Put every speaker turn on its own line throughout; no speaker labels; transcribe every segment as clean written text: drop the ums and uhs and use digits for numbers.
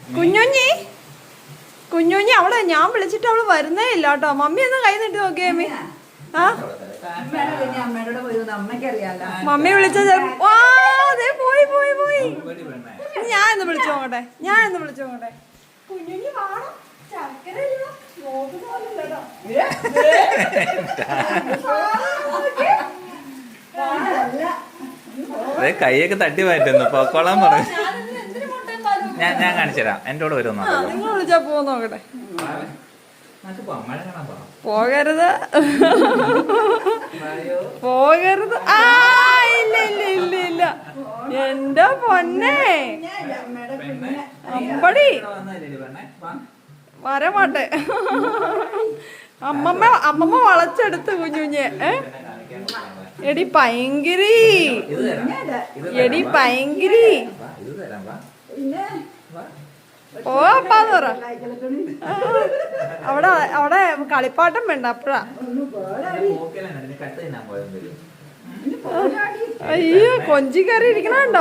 കുഞ്ഞുഞ്ഞി കുഞ്ഞുഞ്ഞി അവളെ ഞാൻ വിളിച്ചിട്ട് അവള് വരുന്നേ ഇല്ല കേട്ടോ. മമ്മി ഒന്ന് കൈ നീട്ടി നോക്കിയേ അമ്മി. ആ മമ്മി വിളിച്ചത് പോയി പോയി പോയി. ഞാൻ ഒന്ന് വിളിച്ചു നോക്കട്ടെ, ഞാൻ ഒന്ന് വിളിച്ചു നോക്കട്ടെ. കുഞ്ഞുഞ്ഞി വാണം
കൈയൊക്കെ തട്ടി മാറ്റുന്നു. പൊക്കോളാൻ പറഞ്ഞു. ഞാൻ കാണിച്ചു തരാം. എന്റെ കൂടെ വരുമെന്നോ?
നിങ്ങൾ വിളിച്ചാ പോ നോക്കട്ടെ. പോകരുത് പോകരുത്. ആ ഇല്ല ഇല്ല ഇല്ല ഇല്ല എന്റെ പൊന്നെ അമ്പടി വരമാട്ടെ. അമ്മമ്മ വളച്ചെടുത്ത് കുഞ്ഞുഞ്ഞെ. എടി ഭയങ്കരി എടി ഭയങ്കരി ഓ അപ്പാന്ന് പറ. അവിടെ അവിടെ കളിപ്പാട്ടം വേണ്ട അപ്പഴാ. അയ്യോ കൊഞ്ചി കറി ഇരിക്കണോ?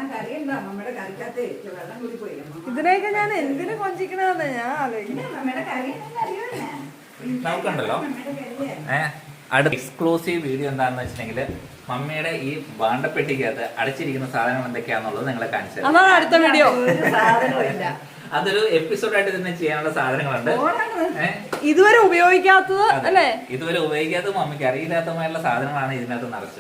ഇതിനെയൊക്കെ ഞാൻ എന്തിനു കൊഞ്ചിക്കണെന്ന് ഞാൻ
നമുക്കുണ്ടല്ലോ അടുത്ത എക്സ്ക്ലൂസീവ് വീഡിയോ എന്താണെന്ന് വെച്ചിട്ടുണ്ടെങ്കിൽ മമ്മിയുടെ ഈ ഭാണ്ഡപ്പെട്ടിക്കകത്ത് അടച്ചിരിക്കുന്ന സാധനങ്ങൾ എന്തൊക്കെയാണെന്നുള്ളത് നിങ്ങളെ കാണിച്ചു തരാം.
അതാണ് അടുത്ത വീഡിയോ.
അതൊരു എപ്പിസോഡായിട്ട് തന്നെ ചെയ്യാനുള്ള സാധനങ്ങളുണ്ട്.
ഇതുവരെ ഉപയോഗിക്കാത്തത് അല്ലേ?
ഇതുവരെ ഉപയോഗിക്കാത്ത മമ്മിക്ക് അറിയില്ലാത്തമായുള്ള സാധനങ്ങളാണ് ഇതിനകത്ത് നിറച്ച്.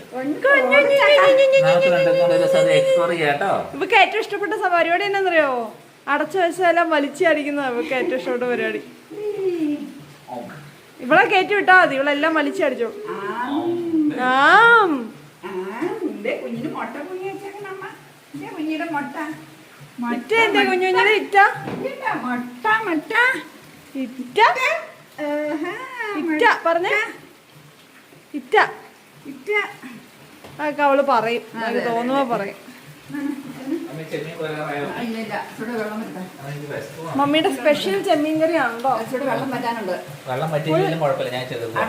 എക്സ്പ്ലോർ ചെയ്യാട്ടോ.
ഇവക്ക് ഏറ്റവും ഇഷ്ടപ്പെട്ട പരിപാടി എന്നാന്നറിയോ? അടച്ചു വെച്ചാലും വലിച്ചടിക്കുന്നത് ഇവക്ക് ഏറ്റവും ഇഷ്ടപ്പെട്ട പരിപാടി. ഇവളെ കയറ്റി വിട്ടാ മതി, ഇവളെല്ലാം വലിച്ചടിച്ചോ. കുഞ്ഞുഞ്ഞിയുടെ ഇറ്റ ഇറ്റ പറഞ്ഞേ ഇറ്റ ഇറ്റ അതൊക്കെ അവള് പറയും, അത് തോന്നുമ്പോ പറയും. മമ്മിയുടെ സ്പെഷ്യൽ ചെമ്മീൻ കറി ആണല്ലോ.
വെള്ളം പറ്റിയില്ലെങ്കിലും കുഴപ്പമില്ല, ഞാൻ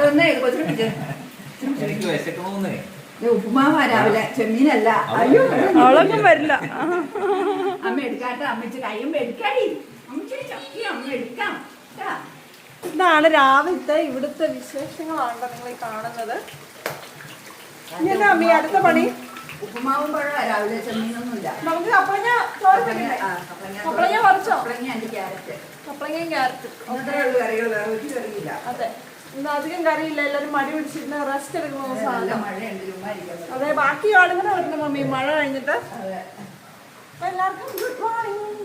എനിക്ക് വിശക്കണമെന്നേ.
ഉപ്പുമാവാ രാവിലെ, ചെമ്മീനല്ല.
അവളൊന്നും വരില്ല.
അമ്മ എടുക്കാട്ടെ, അമ്മച്ച് കയ്യും എടുക്കാടി, അമ്മ എടുക്കാം.
ഇതാണ് രാവിലത്തെ ഇവിടുത്തെ വിശേഷങ്ങളാണ് നിങ്ങൾ ഈ കാണുന്നത്. ഇനി അമ്മ അടുത്ത പണി
ഉപ്പുമാവും പഴം രാവിലെ, ചെമ്മീനൊന്നുമില്ല.
നമുക്ക് കപ്പളങ്ങ കപ്പളങ്ങ പറിച്ചോ?
കപ്പളങ്ങയും
ക്യാരറ്റ്
കറികൾ, വേറെ ഒരു കറിയില്ല.
അതെ, ഇന്ന് അധികം കറിയില്ല. എല്ലാവരും മടി പിടിച്ചിട്ട് റെസ്റ്റ് എടുക്കുന്ന ദിവസമാണ്.
മഴയുണ്ട്.
അതെ, ബാക്കി ആളുകളെ വരുന്ന മമ്മി മഴ കഴിഞ്ഞിട്ട്. എല്ലാവർക്കും ഗുഡ് മോർണിംഗ്.